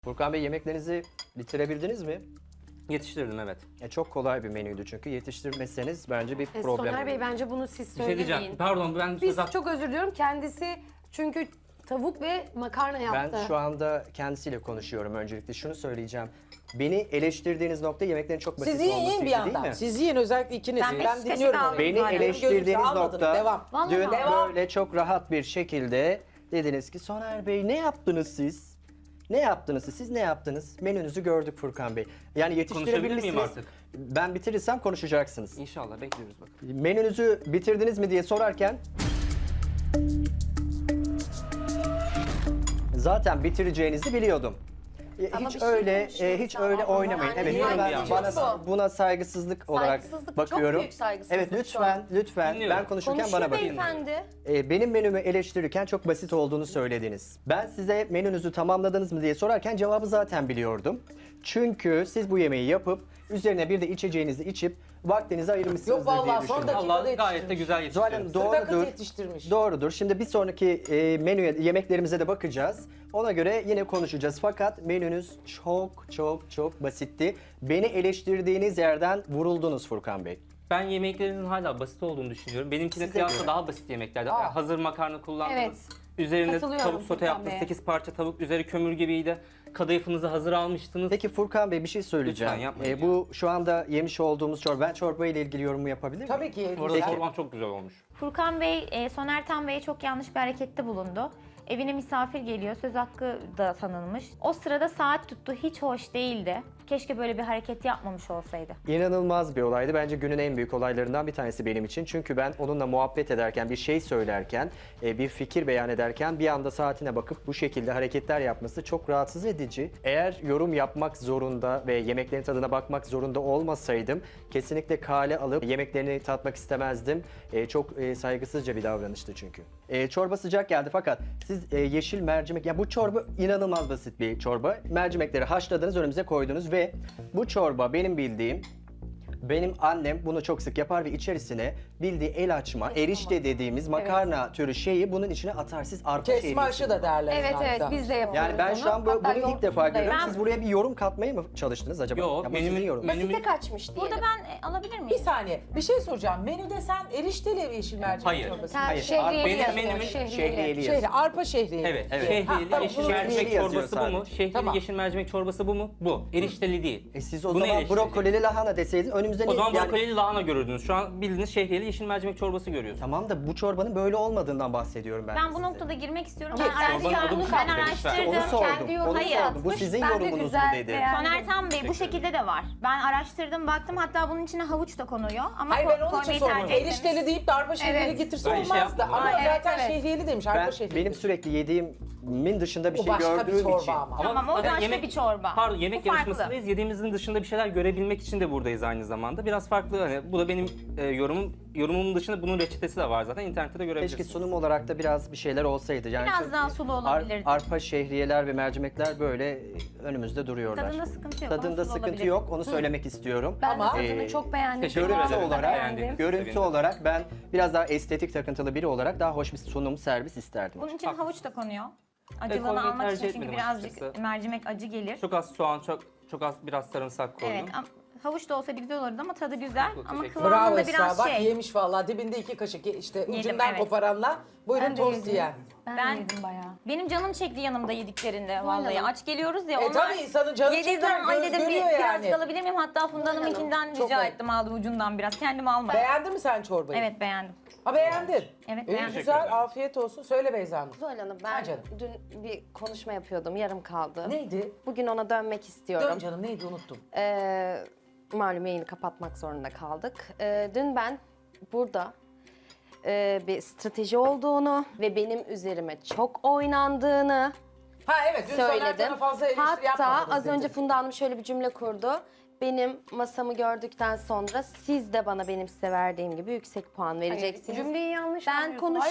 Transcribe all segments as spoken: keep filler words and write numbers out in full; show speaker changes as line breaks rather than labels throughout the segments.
Furkan Bey, yemeklerinizi bitirebildiniz mi?
Yetiştirdim, evet.
E, çok kolay bir menüydü çünkü yetiştirmeseniz bence bir
E,
problem.
Soner Bey, bence bunu siz
Bir şey
söylemeyin.
diyeceğim. Pardon, ben
Biz
söz
çok özür diliyorum. Kendisi çünkü tavuk ve makarna yaptı.
Ben şu anda kendisiyle konuşuyorum öncelikle. Şunu söyleyeceğim. Beni eleştirdiğiniz nokta yemeklerin çok basit
Siz yiyin,
olmasıydı
yiyin bir
değil
yandan.
mi?
Siz yiyin, özellikle ikiniz.
Ben
Ben,
beş kaşık
dinliyorum
aldım.
orayı.
Beni
Aynen.
eleştirdiğiniz
Gözünüzü
nokta
almadınız, devam.
Vallahi
dün
Devam.
böyle çok rahat bir şekilde dediniz ki Soner Bey ne yaptınız siz? Ne yaptınız siz? Siz ne yaptınız? Menünüzü gördük Furkan Bey. Yani
Konuşabilir miyim
yetiştirebilmişsiniz.
artık?
Ben bitirirsem konuşacaksınız.
İnşallah bekliyoruz bak.
Menünüzü bitirdiniz mi diye sorarken zaten bitireceğinizi biliyordum. E,
Ama
hiç
bir şey
öyle
konuşuyoruz
e, hiç
ama
öyle
o
oynamayın.
zaman
Evet,
yani
ben
yani
bana
bu.
buna saygısızlık olarak
Saygısızlık, çok
bakıyorum.
büyük saygısızlık
Evet,
şu
lütfen
an.
lütfen
Dinliyorum.
ben konuşurken
Konuşuyor
bana bakın.
beyefendi.
E, benim menümü eleştirirken çok basit olduğunu söylediniz. Ben size menünüzü tamamladınız mı diye sorarken cevabı zaten biliyordum. Çünkü siz bu yemeği yapıp üzerine bir de içeceğinizi içip vaktinizi ayırmışsınızdır
Yok vallahi,
diye
son
düşündüm.
dakika-
Allah
Dakikada
gayet de güzel
Zuhal
yetiştirdim.
Hanım,
Sırtakıt
doğrudur.
yetiştirmiş.
Doğrudur. Şimdi bir sonraki e, menüye, yemeklerimize de bakacağız. Ona göre yine konuşacağız. Fakat menünüz çok çok çok basitti. Beni eleştirdiğiniz yerden vuruldunuz Furkan Bey.
Ben yemeklerinizin hala basit olduğunu düşünüyorum. Benimkine
Size
kıyasla
göre.
daha basit yemeklerdi.
Aa.
Hazır makarna kullandınız.
Evet.
Üzerine
Katılıyorum
tavuk sote
Furkan
yaptınız.
Bey'e.
sekiz parça tavuk, üzeri kömür gibiydi. Kadayıfınızı hazır almıştınız.
Peki Furkan Bey, bir şey söyleyeceğim.
Lütfen yapmayın
E, bu şu anda yemiş olduğumuz çorba. Ben çorba ile ilgili yorumu yapabilir miyim?
Tabii ki.
Bu arada
güzel.
çorban çok güzel olmuş.
Furkan Bey, e, Soner Tan Bey'e çok yanlış bir harekette bulundu. Evine misafir geliyor, söz hakkı da tanınmış. O sırada saat tuttu, hiç hoş değildi. Keşke böyle bir hareket yapmamış olsaydı.
İnanılmaz bir olaydı. Bence günün en büyük olaylarından bir tanesi benim için. Çünkü ben onunla muhabbet ederken, bir şey söylerken, e, bir fikir beyan ederken bir anda saatine bakıp bu şekilde hareketler yapması çok rahatsız edici. Eğer yorum yapmak zorunda ve yemeklerin tadına bakmak zorunda olmasaydım kesinlikle kale alıp yemeklerini tatmak istemezdim. E, çok e, saygısızca bir davranıştı çünkü. E, çorba sıcak geldi fakat siz e, yeşil mercimek, ya bu çorba inanılmaz basit bir çorba. Mercimekleri haşladınız, önümüze koydunuz ve bu çorba benim bildiğim, benim annem bunu çok sık yapar ve içerisine bildiği el açma, erişte dediğimiz makarna türü şeyi bunun içine atar. Siz arpa
Kesme
şehriyesi.
aşı da derler.
Evet
hatta.
evet, biz de yapıyoruz
Yani ben
onu.
şu an bu,
Hatta
bunu ilk
yoğurt
defa
üstünde
görüyorum.
Ben-
Siz buraya bir yorum katmaya mı çalıştınız acaba?
Yok,
Ya bu
benim-
sizin yorumunuz.
benim-
Basite kaçmış diyelim.
Burada ben e, alabilir
Bir
miyim?
saniye. Bir şey soracağım. Menüde sen erişteli yeşil mercimek
Hayır.
çorbası.
Sen
Hayır,
şehriyeli
benim
yazıyor,
menümün
şehriyeli.
şehriyeli
Şehri,
yazıyor.
arpa şehriyeli.
Evet,
Evet.
şehriyeli
Ha, tamam,
yeşil
bunu
mercimek
şehriyeli yazıyor
çorbası bu mu?
sadece.
Şehriyeli
Tamam.
yeşil mercimek çorbası bu mu? Bu. Erişteli değil.
E siz o
Bunu
zaman
eleştireceğim.
brokolili lahana deseydiniz önümüzde
O
ne-
zaman
yani-
brokolili lahana görürdünüz. Şu an bildiğiniz şehriyeli yeşil mercimek çorbası görüyorsunuz.
Tamam da bu çorbanın böyle olmadığından bahsediyorum ben.
Ben
size.
bu noktada girmek istiyorum.
Ki,
Ben
çorbanın adı bu
araştırdım. Ben
zaten.
araştırdım.
Onu sordum.
Kendi
Onu
yorumu
Hayır,
sordum. Bu
yapmış.
sizin
Ben de
yorumunuz mu
güzel
dedi.
beğendim.
Soner Tan Bey bu şekilde de var. Ben araştırdım, baktım, hatta bunun içine havuç da konuyor. Ama
Hayır,
ko-
ben onun için
koymayı
sormuyorum.
tercih etmemiş.
Erişteli deyip de arpa şehriyeli
Evet.
getirse
Ben şey
olmazdı.
yapmadım.
Ama
Ay, evet,
zaten
evet.
şehriyeli demiş.
Ben,
Arpa şehriyeli.
benim sürekli yediğimin dışında bir
Bu
şey
başka bir
gördüğüm
çorba
için.
ama.
Tamam, o
zaten
başka bir çorba.
Pardon, yemek
Bu farklı.
yarışmasındayız. Yediğimizin dışında bir şeyler görebilmek için de buradayız aynı zamanda. Biraz farklı, hani bu da benim e, yorumum. Yorumumun dışında bunun reçetesi de var zaten. İnternette de görebilirsiniz.
Keşke sunum olarak da biraz bir şeyler olsaydı. Yani
Biraz
çünkü
daha sulu olabilirdi.
Ar, arpa şehriyeler ve mercimekler böyle önümüzde duruyorlar.
Tadında sıkıntı yok,
Tadında
ama sulu
sıkıntı
olabilir.
yok. Onu söylemek istiyorum.
Ben
Ama-
de tadını
Ee,
çok beğendim.
teşekkür
Görüntü
ederim.
olarak,
Beğendim.
görüntü
Sevindim.
olarak ben biraz daha estetik takıntılı biri olarak daha hoş bir sunum, servis isterdim.
Bunun için havuç da konuyor.
koymayı
Acılığını almak
tercih
için, çünkü
etmedim
birazcık
açıkçası.
mercimek acı gelir.
Çok az soğan, çok çok az biraz sarımsak koydum.
Evet, am- havuç da olsaydı güzel olurdu ama tadı güzel.
Çok
Ama
teşekkür
kıvamında
Bravo Esra.
biraz
Bak
şey.
yemiş vallahi. Dibinde iki kaşık işte ucundan
evet.
koparanla. Buyurun
Ben de
tost
yedim.
yiyen.
Ben,
Ben-
de yedim bayağı.
Benim canım çekti yanımda yediklerinde vallahi.
Hanım.
Aç geliyoruz ya.
E
onlar
tabii insanın canı
yediği
çeker,
zaman, "Ay,"
göz
dedim, bir,
görüyor
birazcık
yani.
alabilir miyim? Hatta Funda Hanım'ınkinden
Çok
rica
ayıp.
ettim, aldım ucundan biraz. Kendim almadım.
Beğendin mi sen çorbayı?
Evet, beğendim.
Ha beğendin.
Evet,
İyi,
beğendim.
güzel. Afiyet olsun. Söyle Beyza Hanım.
Zuhal Hanım,
Ha
ben
canım.
dün bir konuşma yapıyordum, yarım kaldı.
Neydi?
Bugün ona dönmek istiyorum.
Dön canım neydi unuttum.
Ee, malum yayını kapatmak zorunda kaldık. Ee, dün ben burada e, bir strateji olduğunu ve benim üzerime çok oynandığını
Ha evet dün Soner
söyledim.
sana fazla eleştiri
Hatta
yapmadınız
az
dedi.
önce Funda Hanım şöyle bir cümle kurdu. Benim masamı gördükten sonra siz de bana benim size verdiğim gibi yüksek puan vereceksiniz.
Cümleyi yanlış
Ben
anlıyorsun.
konuşayım.
Hayır,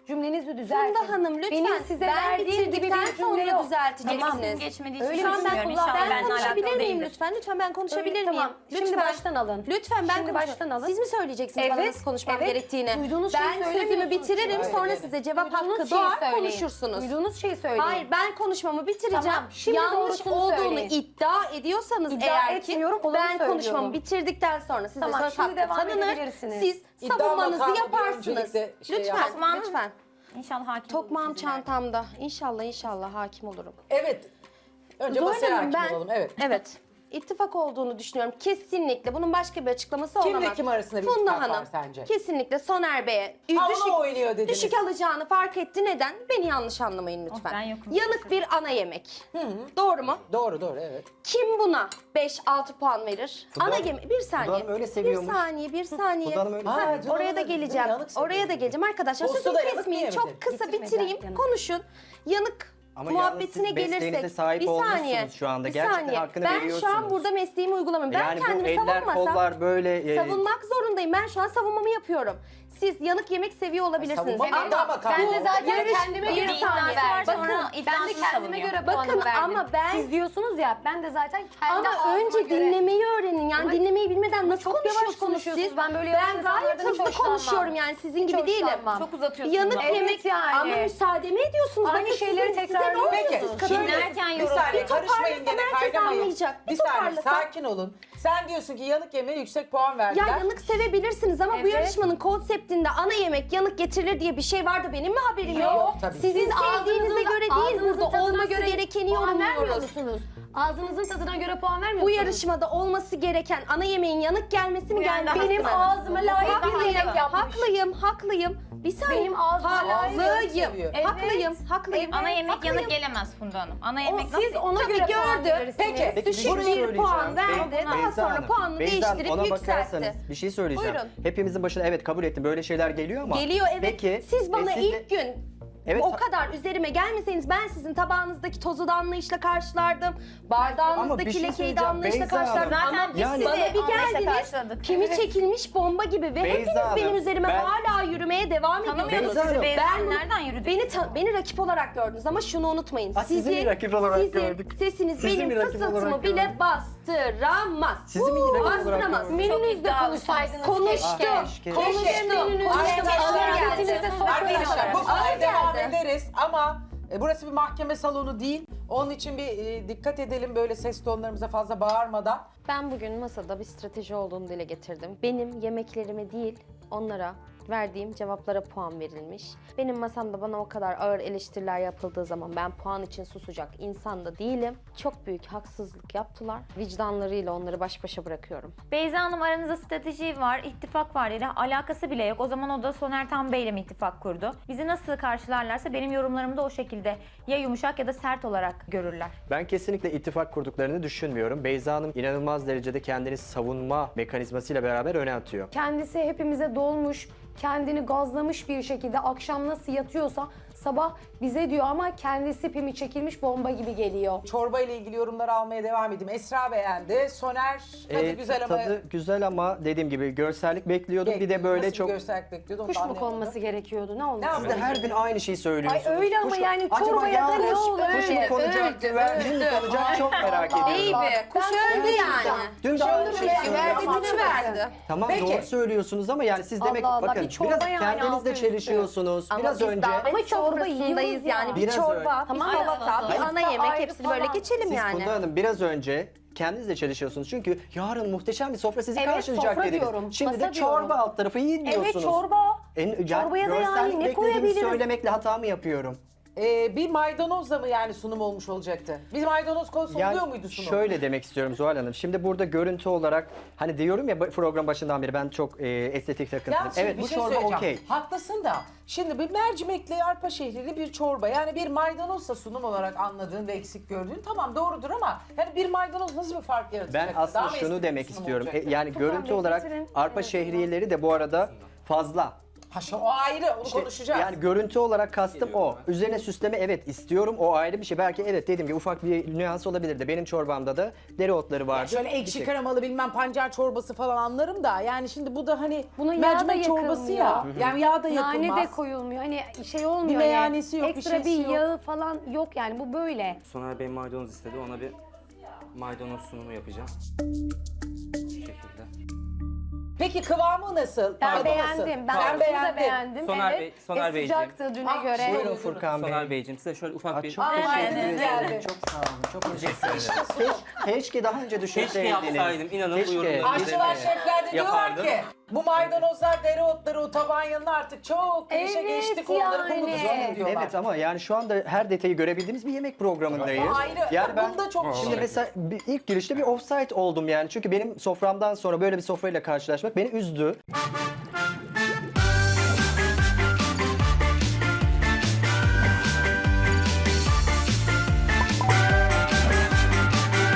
cümlenizi düzeltin.
Funda Hanım lütfen.
Benim size
ben
verdiğim gibi
bitirdikten
bir cümle
sonra
yok.
düzelteceksiniz.
Tamam. Geçmediği
Öyle
için
ben
düşünmüyorum.
kullan-
İnşallah
Ben
benimle alakalı
konuşabilir miyim
değildir.
lütfen? Lütfen ben konuşabilir
Öyle,
miyim?
tamam.
Lütfen.
Şimdi baştan alın.
Lütfen ben
Şimdi
konuş-
baştan alın.
Siz mi söyleyeceksiniz bana
Evet,
nasıl konuşmam
evet.
gerektiğini?
Duyduğunuz şeyi
ben sözümü
söylemiyorsunuz.
bitiririm
Hayır,
sonra
evet.
size cevap
Duyduğunuz
hakkı
şeyi
doğar
söyleyin.
konuşursunuz.
Duyduğunuz şeyi söyleyin.
Hayır ben konuşmamı bitireceğim.
Tamam, şimdi
Yanlış
doğrusunu
olduğunu
söyleyin.
iddia ediyorsanız
İddia
eğer ki
etmiyorum, olanı
ben
söylüyorum.
konuşmamı bitirdikten sonra size
Tamam,
söz
şimdi
hakkı
devam
tanınır.
edebilirsiniz.
Siz
İddia
savunmanızı
makamı bir
yaparsınız.
öncelikle şey
Lütfen,
yapalım.
lütfen.
İnşallah hakim
Tokmağım
olursunuz ileride.
çantamda. İnşallah inşallah hakim olurum.
Evet. Önce
Zuhal
masaya
Hanım,
hakim
ben,
olalım. Evet.
Evet. İttifak olduğunu düşünüyorum. Kesinlikle. Bunun başka bir açıklaması
Kimle
olamaz.
kim arasında bir
Funda
ittifak var
Hanım,
sence?
Kesinlikle Soner Bey'e
Ha, ona
düşük,
oynuyor dediniz.
düşük alacağını fark etti. Neden? Beni yanlış anlamayın lütfen.
Oh, ben yokum.
Yanık bir ana yemek. Doğru mu?
Doğru doğru evet.
Kim buna beş altı puan verir?
Funda
ana
Hanım-
yemek. Bir saniye.
Hanım öyle
bir
seviyormuş.
saniye, bir saniye.
Funda Hanım öyle
Ha,
seviyor. Ha,
oraya da
yanık-
geleceğim.
yanık seviyor.
Oraya da geleceğim arkadaşlar.
Olsa
Sözümü
da yanık
kesmeyin.
mı
Çok
yemedi?
kısa
Bitirmeden
bitireyim.
yanık.
Konuşun. Yanık
Ama yalnız
muhabbetine
siz mesleğinize
gelirsek.
sahip
bir saniye.
olmuşsunuz şu anda.
Bir
Gerçekten
saniye.
hakkını
ben şu an
veriyorsunuz.
burada mesleğimi uygulamıyorum. Ben
Yani bu
kendimi
eller
savunmasam
kollar böyle... e,
savunmak zorundayım. Ben şu an savunmamı yapıyorum. Siz yanık yemek seviyor olabilirsiniz.
savunma
Ama
iddia makamı.
Ben de
bu
zaten
yarış-
kendime
bir
göre
Bir iddiası
saniye.
var
Bakın,
sonra
ben de
iddiasını
kendime
savunuyor.
göre
Bakın
puanımı verdim.
ama ben-
Siz diyorsunuz ya ben de zaten kendi
Ama
ağzıma
önce
göre...
dinlemeyi öğrenin. Yani
Ama-
dinlemeyi bilmeden nasıl
çok yavaş
konuşuyorsunuz
konuşuyorsunuz.
siz?
Ben böyle
ben
yavaş
gayet
insanlardan hiç
hızlı
hoşlanmam.
konuşuyorum yani sizin
Hiç
gibi değilim.
hoşlanmam.
Çok uzatıyorsunuz
Yanık
ama.
Evet
yemek
yani.
ama müsaade mi ediyorsunuz?
Aynı
Bakın
şeyleri
sizin- size ne
tekrarlıyorsunuz.
oluyor?
Peki
Siz
şöyle
Dinlerken
bir
yoruluyor.
saniye
Bir
karışmayın gene
toparlasam herkes
kaynamayın.
anlayacak. Bir
Bir saniye
toparlasam.
sakin olun. Sen diyorsun ki yanık yemeğe yüksek puan
Ya
verdiler.
yanık sevebilirsiniz ama bu
Evet.
yarışmanın konseptinde ana yemek yanık getirilir diye bir şey vardı. Benim mi haberim yok?
Yok, tabii.
Sizin
Siz
sevdiğinize
ağzınızın-
göre değil
ağzınızın
burada
tadına
olması
göre
gerekeni
puan vermiyor
yorumluyoruz.
musunuz? Ağzınızın tadına göre puan vermiyor
Bu
musunuz?
yarışmada olması gereken ana yemeğin yanık gelmesi mi
Bu yani
gelmesi mi?
Benim ağzıma layık bir
Haklıyım,
yemek yapmış.
haklıyım, haklıyım. Bir saniye.
Benim ağzıma layık
Haklıyım,
seviyor.
Evet.
haklıyım, haklıyım.
Ana yemek
haklıyım.
yanık gelemez Funda Hanım. Ana
O,
yemek
siz
nasıl?
ona
Tabii
göre puan
gördü.
verirsiniz.
Peki.
Peki
Düşük
bir şey
bir puan
söyleyeceğim.
verdi. Daha
Beyza
sonra
Hanım,
puanını
Beyza Hanım,
değiştirip
ona
yükseltti.
bakarsanız bir şey söyleyeceğim.
Buyurun.
Hepimizin başına evet kabul ettim böyle şeyler geliyor ama.
Geliyor evet.
Peki,
Siz bana
e, siz de-
ilk gün
Evet,
o
ta-
kadar üzerime gelmeseniz ben sizin tabağınızdaki tozu da anlayışla karşılardım.
Ama bir
Bardağınızdaki
şey
lekeyi de
söyleyeceğim,
anlayışla
Beyza Hanım.
karşılardım.
Zaten
Ama
biz
Yani-
sizi
bana bir
anlayışla
geldiniz.
karşıladık.
Kimi
Evet.
çekilmiş bomba gibi ve
Beyza
hepiniz
Hanım,
benim üzerime
ben-
hala yürümeye devam
Tanımıyorduk
ediyorsunuz.
Beyza
sizi.
Hanım.
Beyza
Ben
Hanım
bunu-
nereden yürüdü?
Beni ta- beni rakip olarak gördünüz ama şunu unutmayın.
Ha, sizi mi rakip olarak
sizin
gördük?
sesiniz
Sizi
benim
mi rakip
fısıltımı
olarak
bile
gördük?
bastıramaz.
Sizi mi rakip olarak
Bastıramaz.
gördük?
Çok
Menünüzde
iddialısınız.
konuşsaydınız.
Konuştum.
keşke.
Konuştum.
Menünüzde
Konuştum.
ağır
Ağır
geldi.
geldi.
Arkadaşlar bu
Ağır
konuya devam
geldi.
ederiz ama e, burası bir mahkeme salonu değil. Onun için bir e, dikkat edelim böyle ses tonlarımıza fazla bağırmadan.
Ben bugün masada bir strateji olduğunu dile getirdim. Benim yemeklerime değil, onlara verdiğim cevaplara puan verilmiş. Benim masamda bana o kadar ağır eleştiriler yapıldığı zaman ben puan için susacak insan da değilim. Çok büyük haksızlık yaptılar. Vicdanlarıyla onları baş başa bırakıyorum.
Beyza Hanım aranızda strateji var, ittifak var ile alakası bile yok. O zaman o da Soner Tan Bey ile mi ittifak kurdu? Bizi nasıl karşılarlarsa benim yorumlarımı da o şekilde ya yumuşak ya da sert olarak görürler.
Ben kesinlikle ittifak kurduklarını düşünmüyorum. Beyza Hanım inanılmaz derecede kendini savunma mekanizmasıyla beraber öne atıyor.
Kendisi hepimize dolmuş, kendini gazlamış bir şekilde akşam nasıl yatıyorsa sabah bize diyor ama kendisi pimi çekilmiş bomba gibi geliyor.
Çorba ile ilgili yorumları almaya devam edeyim. Esra beğendi. Soner tadı
Ee,
güzel ama
tadı güzel ama dediğim gibi görsellik bekliyordum. Bir de böyle
nasıl
çok...
bir görsellik bekliyordu onu
Kuş
da
mu
anlayamadım.
konması gerekiyordu? Ne olmuş?
Ne
Siz de her gün aynı şeyi söylüyorsunuz.
Ay öyle ama
Kuş-
yani
Acaba
çorbaya da ne
yalnız
olur?
Kuş mu
Öyle,
konacak,
öldü,
güvercin mi
öldü.
konacak çok merak ediyorum.
Baby, kuş
Ben
öldü yani.
Dün de aynı şeyi
Güvercin
söylüyorsunuz.
Güvercini verdi.
Tamam
Peki.
doğru söylüyorsunuz ama yani siz demek
Allah Allah,
bakın
bir çorba
biraz
yani
kendinizle
altı üstü.
çelişiyorsunuz.
Ama
biraz
biz
önce
davet
Ama çorba
sofrasındayız
yiyoruz ya.
yani. Bir
Biraz
çorba,
öyle.
bir
Tamam,
salata, bir
hayır.
ana yemek
Ayrı
hepsini böyle
falan.
geçelim
siz
yani.
Funda Hanım biraz önce kendinizle çelişiyorsunuz. Çünkü yarın muhteşem bir sofra sizi
Evet,
karşılayacak
sofra
dediniz.
diyorum,
Şimdi de
masa
çorba
diyorum.
alt tarafı yiyin diyorsunuz.
Evet çorba.
En, yani
Çorbaya da yani
görsellik
ne
beklediğimi
koyabiliriz?
söylemekle hata mı yapıyorum?
Ee, bir maydanozla mı yani sunum olmuş olacaktı? Bir maydanoz konusu
Yani
oluyor muydu sunum?
şöyle demek istiyorum Zuhal Hanım. Şimdi burada görüntü olarak hani diyorum ya program başından beri ben çok e, estetik takıntılıyım.
Yalnız şimdi
Evet
bir
bu
şey
çorba
söyleyeceğim.
okey.
Haklısın da şimdi bir mercimekli arpa şehrili bir çorba yani bir maydanozla sunum olarak anladığın ve eksik gördüğün tamam doğrudur ama yani bir maydanoz nasıl bir fark yaratacak?
Ben aslında
Daha mı
şunu
estetik
demek
sunum
istiyorum. E,
olacaktı?
yani görüntü
Bey,
olarak
getirin.
arpa
Evet,
şehriyeleri de bu arada fazla.
Paşa o ayrı, onu
İşte
konuşacağız.
yani görüntü olarak kastım o. Üzerine süsleme evet istiyorum. O ayrı bir şey. Belki evet dediğim gibi ufak bir nüans olabilirdi. Benim çorbamda da dereotları vardı.
Şöyle
Bir
ekşi
şey-
kremalı bilmem pancar çorbası falan anlarım da yani şimdi bu da hani
Buna yağ
mercimek
da
çorbası ya.
yakılmıyor.
Yani yağ da yakılmaz.
Nane de koyulmuyor. Hani şey olmuyor.
Bir
hani
meyhanesi yok, bir
Ekstra
şeysi
bir
yok.
yağı falan yok yani bu böyle.
Soner Bey maydanoz istedi. Ona bir maydanoz sunumu yapacağım. Bu şekilde.
Peki kıvamı nasıl?
Ben
Tadı
beğendim.
nasıl?
Ben
Sen
altını da
beğendin.
beğendim.
Soner
evet.
Bey- Soner
E,
Beyciğim.
sıcaktı düne
Ah,
göre.
Buyurun Furkan Bey.
Soner Beyciğim size şöyle ufak
Aa,
bir...
çok
Aa,
teşekkür
maydanoz
ederim.
geldi.
Çok sağ olun. Çok teşekkür ederim. Keş- Keşke daha önce
Keşke
düşünseydiniz.
yapsaydım. İnanın bu yorumları
Aşçılar,
üzerine
şefler de diyorlar
yapardım.
ki bu maydanozlar, dereotları, o tabağın yanına artık çok klişe
Evet
geçtik onları
yani.
kumuduz onu diyorlar.
Evet ama yani şu anda her detayı görebildiğimiz bir yemek programındayız.
O ayrı.
Yani ben
Bunda çok
şimdi
şey.
mesela bir, ilk girişte bir offside oldum yani. Çünkü benim soframdan sonra böyle bir sofrayla karşılaşmak beni üzdü.